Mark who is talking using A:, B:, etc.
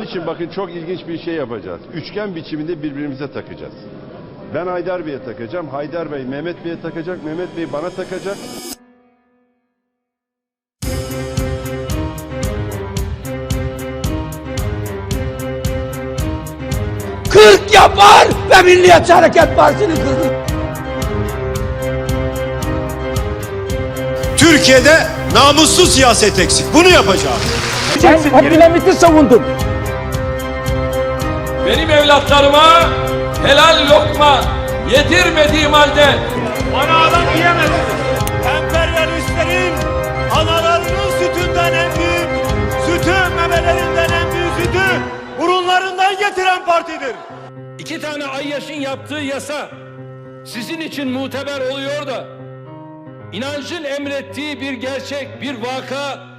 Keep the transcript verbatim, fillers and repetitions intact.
A: Onun için bakın çok ilginç bir şey yapacağız. Üçgen biçiminde birbirimize takacağız. Ben Haydar Bey'e takacağım. Haydar Bey Mehmet Bey'e takacak. Mehmet Bey bana takacak.
B: kırk yapar ve Milliyetçi Hareket Partisi'ni kırdı.
C: Türkiye'de namussuz siyaset eksik. Bunu yapacağız.
B: Sen Abdülhamit'i savundun.
D: Benim evlatlarıma helal lokma yedirmediğim halde
E: bana adam diyemezsin. Emperyalistlerin analarının sütünden en büyük, sütü memelerinden en büyük sütü burunlarından getiren partidir.
D: iki tane Ayyaş'ın yaptığı yasa sizin için muteber oluyor da inancın emrettiği bir gerçek, bir vaka